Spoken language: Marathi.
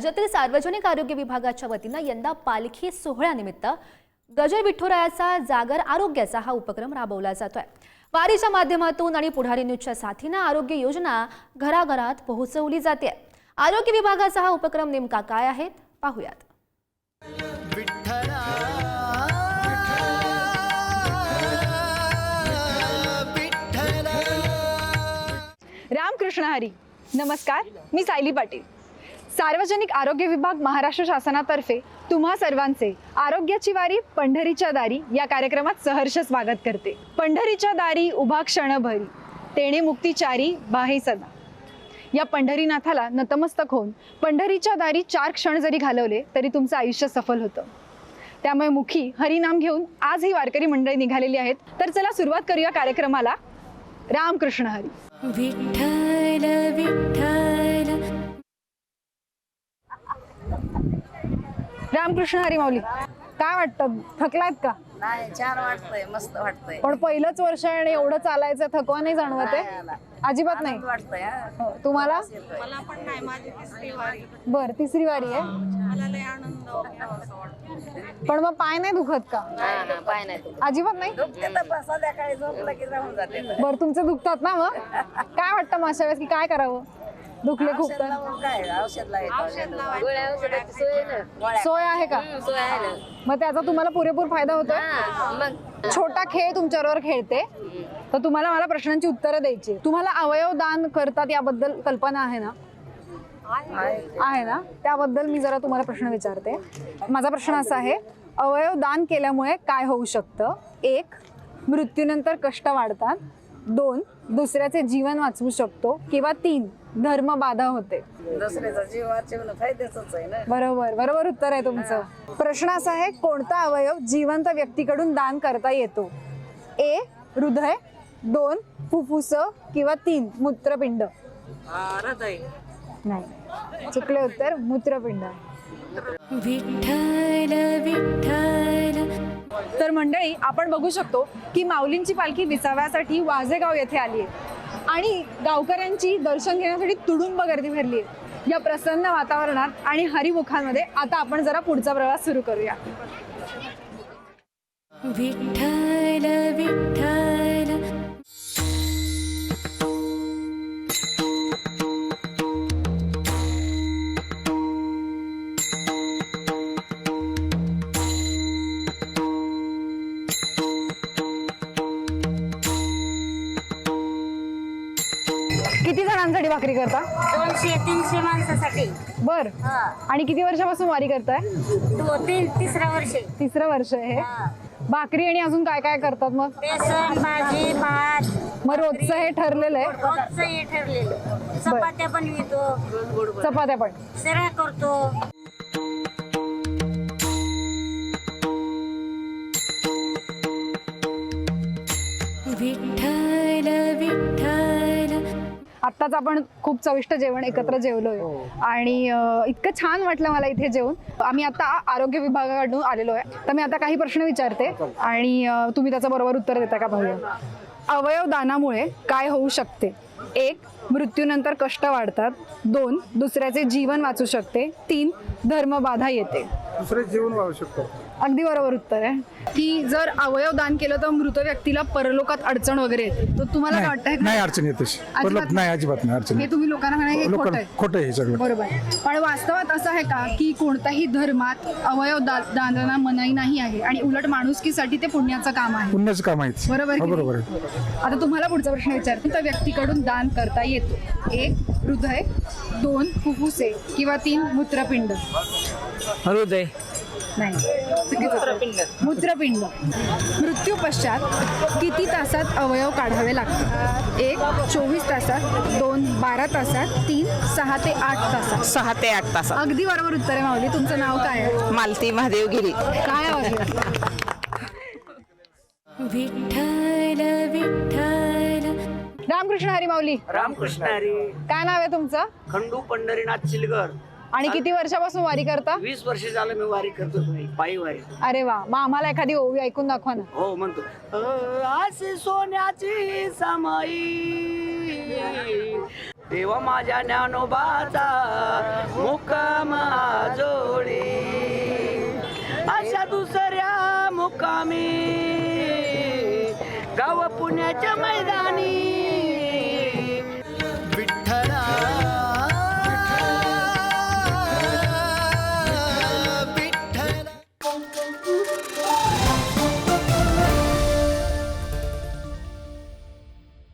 राज्यातील सार्वजनिक आरोग्य विभागाच्या वतीनं यंदा पालखी सोहळ्यानिमित्त गजर विठुरायाचा जागर आरोग्याचा हा उपक्रम राबवला जातोय। वारीच्या माध्यमातून आणि पुढारी न्यूजच्या साथीनं आरोग्य योजना घराघरात पोहोचवली जाते। आरोग्य विभागाचा हा उपक्रम नेमका काय आहे पाहूयात। रामकृष्ण हरी। नमस्कार, मी सायली पाटील। सार्वजनिक आरोग्य विभाग महाराष्ट्र शासनातर्फे तुम्हा सर्वांचे आरोग्याची वारी पंढरीच्या दारी या कार्यक्रमात सहर्ष स्वागत करते। पंढरीच्या दारी उभा क्षणभरी तेणे मुक्तिचारी बाहे सदा। या पंढरीनाथाला नतमस्तक होऊन पंढरीच्या दारी 4 क्षण जरी घालवले तरी तुमचं आयुष्य सफल होतं। त्यामुळे मुखी हरिनाम घेऊन आज ही वारकरी मंडळी निघालेली आहेत। तर चला सुरुवात करूया कार्यक्रमाला। रामकृष्ण हरी। विठ्ठल विठ्ठल। रामकृष्ण हरी माऊली, काय वाटतं, थकलात का? नाही, छान वाटतंय, मस्त वाटतंय। पण पहिलंच वर्ष आहे आणि एवढं चालायचं, थकवा नाही जाणवत आहे? अजिबात नाही वाटतंय। हो, तुम्हाला? मला पण नाही, माझी तिसरी वारी। बर, तिसरी वारी आहे। मला लय आनंद वाटतो। पण मग पाय नाही दुखत का? पाय नाही अजिबात नाही? दुखते तर संध्याकाळी झोपलं की राहून जाते। बर, तुमचे दुखतात ना? मग काय वाटतं मग अशा वेळेस की काय करावं? दुखले खूप तर काय औषध लावायचं, सोय आहे का? मग त्याचा तुम्हाला पुरेपूर फायदा होतोय? छोटा खेळ तुमच्याबरोबर खेळते, तर तुम्हाला मला प्रश्नांची उत्तरं द्यायची। तुम्हाला अवयव दान करतात याबद्दल कल्पना आहे ना? आहे ना? त्याबद्दल मी जरा तुम्हाला प्रश्न विचारते। माझा प्रश्न असा आहे, अवयव दान केल्यामुळे काय होऊ शकतं? 1, मृत्यूनंतर कष्ट वाढतात। 2, दुसऱ्याचे जीवन वाचवू शकतो। किंवा 3, धर्म बाधा होते। दुसऱ्याचा जीव वाचवणं फायद्याचंच आहे ना। बरोबर, बरोबर उत्तर आहे तुमचं। प्रश्न असा आहे, कोणता अवयव जिवंत व्यक्तीकडून दान करता येतो? A, हृदय। 2, फुफ्फुस। किंवा 3, मूत्रपिंड। नाही, चुकले उत्तर, मूत्रपिंड। विठ्ठल विठ्ठल। तर मंडळी, आपण बघू शकतो की माऊलींची पालखी विसाव्यासाठी वाजेगाव येथे आली आहे आणि गावकऱ्यांची दर्शन घेण्यासाठी तुडुंब गर्दी भरली आहे। या प्रसन्न वातावरणात आणि हरिमुखांमध्ये आता आपण जरा पुढचा प्रवास सुरू करूया। विठ्ठल विठ्ठल। किती जणांसाठी भाकरी करता? 200-300 माणसासाठी। बर, आणि किती वर्षापासून वारी करताय? तिसरा वर्ष। तिसरं वर्ष आहे हे। भाकरी आणि अजून काय काय करतात मग? बेसन, भाजी, भात। मग रोजचं हे ठरलेलं आहे? रोजचं हे ठरलेलं। चपात्या बनवितो, चपात्या पण? शिरा करतो। विठ्ठल विठ्ठल। आत्ताच आपण खूप चविष्ट जेवण एकत्र जेवलोय आणि इतकं छान वाटलं मला इथे जेवून। आम्ही आता आरोग्य विभागाकडून आलेलो आहे, तर मी आता काही प्रश्न विचारते आणि तुम्ही त्याचं बरोबर उत्तर देता का पाहूया। अवयव दानामुळे काय होऊ शकते? 1, मृत्यूनंतर कष्ट वाढतात। 2, दुसऱ्याचे जीवन वाचू शकते। 3, धर्मबाधा येते। दुसरे जीवन वाढू शकतो। अगदी बरोबर उत्तर आहे की जर अवयव दान केलं तर मृत व्यक्तीला परलोकात अडचण वगैरे येते, तर तुम्हाला काय वाटतं? नाही, अडचण येते। नाही, अजिबात नाही अडचण। हे तुम्ही लोकांना म्हणा हे खोटं आहे? खोटं आहे सगळं। बरोबर, पण वास्तवात असं आहे का की कोणत्याही धर्मात अवयव दानाला मनाई नाही आहे आणि उलट माणुसकीसाठी ते पुण्याचं काम आहे? पुण्याचं काम आहे। बरोबर की बरोबर नाही? आहे। आता तुम्हाला पुढचा प्रश्न विचारते, त्या व्यक्तीकडून दान करता येतो? 1, हृदय। 2, फुफ्फुसे। किंवा 3, मूत्रपिंड। हृदय नाही, मूत्रपिंड। मृत्यू पश्चात किती तासात अवयव काढावे लागतात? 1, 24 तासात। 2, 12 तासात। 3, 6 ते 8 तासात। 6 ते 8 तासात। अगदी बरोबर उत्तर आहे माऊली। तुमचं नाव काय आहे? मालती महादेव गिरी। काय आवाज? विठ्ठल विठ्ठल। रामकृष्ण हरी माऊली। रामकृष्ण हरी। काय नाव आहे तुमचं? खंडू पंढरीनाथ चिलगर। आणि किती वर्षापासून वारी करता? 20 वर्ष झालं मी वारी करतो, पायी वारी। अरे वा, मग आम्हाला एखादी ओवी ऐकून दाखवा ना। हो, म्हणतो अशी सोन्याची समाई देवा माझ्या ज्ञानोबाचा मुक्काम याव पुण्याच्या मैदानी